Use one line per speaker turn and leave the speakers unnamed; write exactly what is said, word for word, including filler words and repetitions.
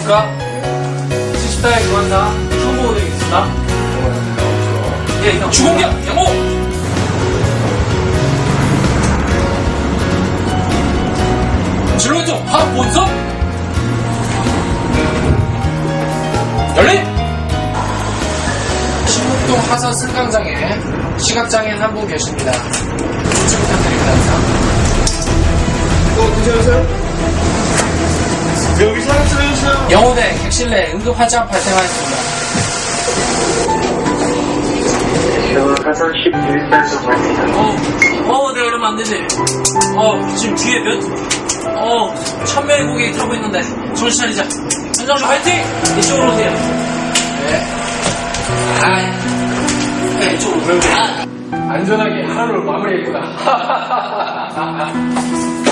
안녕하십니까. 시스타의 교환사 초보 되겠습니다. 예, 형. 주공격 양호! 진로왼쪽 합본선 열림! 신북동 하선 승강장에 시각장애인 한 분 계십니다. 조금 부탁드립니다.
어, 괜찮으세요? 여기 사람 쓰여주세요.
영호대 객실내 응급 화장 발생하였습니다.
하선 십일 단속입니다.
어, 어, 내가 이러면 안 되지. 어, 지금 뒤에 몇, 어, 천 명의 고객이 타고 있는데, 정신 차리자. 현장주 화이팅! 이쪽으로 오세요. 네. 아, 네, 이쪽으로. 아. 안전하게 하루를 마무리했구나.